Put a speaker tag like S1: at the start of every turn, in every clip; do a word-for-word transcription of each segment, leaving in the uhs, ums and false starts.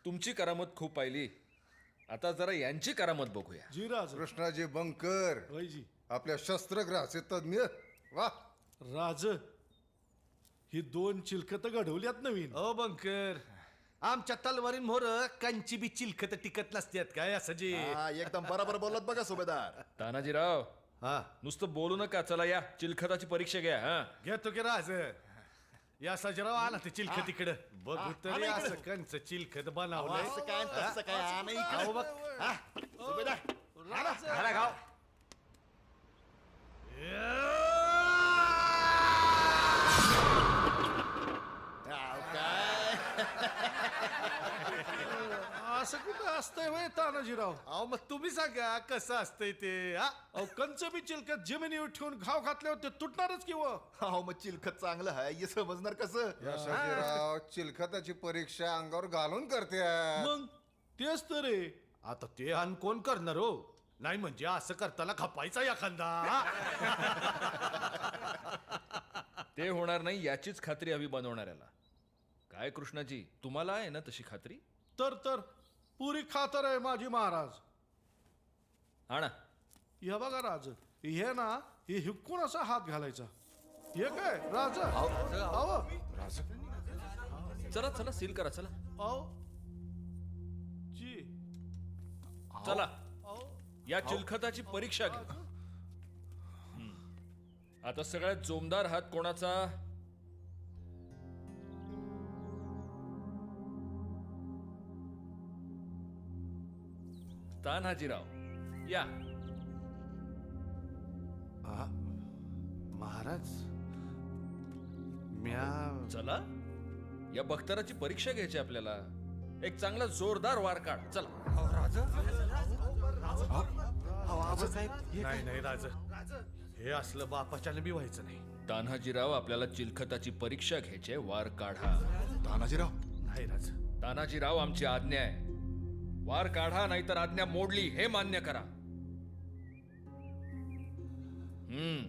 S1: तुमची करामत खूप पाहिली, आता जरा यांची करामत बघूया.
S2: जी राज.
S3: कृष्णाजी बंकर
S2: होय जी.
S3: आपल्या शस्त्रग्रहाचे तज्ञ. वा
S2: राज, ही दोन चिलखत घडवल्यात नवीन.
S4: ओ बंकर, आमच्या तलवारीन मोर कंची बी चिलखत टिकत नसतात काय असं जे.
S5: हा, एकदम बरोबर बोलत बघा सुभेदार.
S1: तानाजीराव,
S4: हा
S1: नुसतं बोलू नका, चला या चिलखताची परीक्षा घ्या. हा
S4: घेतो की राज. या सजराव आला ते चिलखत इकडं बघू तरी असं कंच चिलखत बनवलंय.
S5: असं काय तसं काय आणा इकडे.
S4: अहो बघ.
S5: हा, सुभेदार
S2: राज.
S4: घाला गाव.
S5: हा, काय
S2: असं कुठं असतंय वय तानाजीराव?
S4: अहो मग तुम्ही सांगा कसं असतंय ते. हा
S2: अहो कंच बी चिलखत जमिनीवर ठेवून घाव घातल्यावर ते तुटणारच किंवा.
S5: हो मग चिलखत चांगलं आहे हे समजणार कसं.
S3: या शाजीराव चिलखताची परीक्षा अंगावर घालून करते.
S2: मग तेच तर रे.
S4: आता ते अन कोण करणार हो. नाही म्हणजे असं करताना खपायचा एखादा.
S1: ते होणार नाही याचीच खात्री हवी बनवणाऱ्याला. काय कृष्णाजी, तुम्हाला आहे ना तशी खात्री?
S2: तर तर पुरी खातर आहे माझी महाराज.
S1: आणा.
S2: हे बघा राज, हे ना हे हिकून असा हात घालायचा. हे काय राज? अहो
S1: चला चला सील करा, चला
S2: अहो जी.
S1: चला
S2: अहो
S1: या चिलखताची परीक्षा घ्या. हम्म. आता सगळ्यात जोमदार हात कोणाचा? तान्हाजीराव या.
S4: महाराज म्या
S1: चला या बख्तराची परीक्षा घ्यायची आपल्याला. एक चांगला जोरदार वार काढ, चला.
S4: नाही नाही राज, हे असलं बापाच्याने बी व्हायचं नाही.
S1: तान्हाजीराव, आपल्याला चिलखताची परीक्षा घ्यायची, वार काढा.
S5: तानाजीराव
S4: नाही राज.
S1: तानाजीराव, आमची आज्ञा आहे, वार काढा, नाहीतर आज्ञा मोडली हे मान्य करा. हम्म.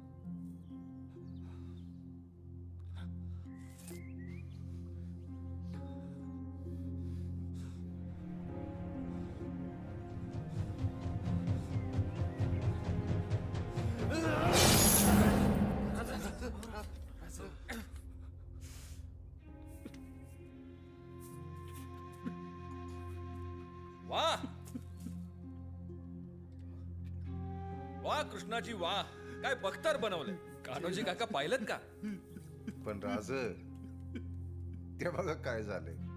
S1: वा वा कृष्णाजी वा, काय बख्तर बनवलंय. कान्होजी काका पाहिलं का?
S3: पण राज ते बघा काय झालंय.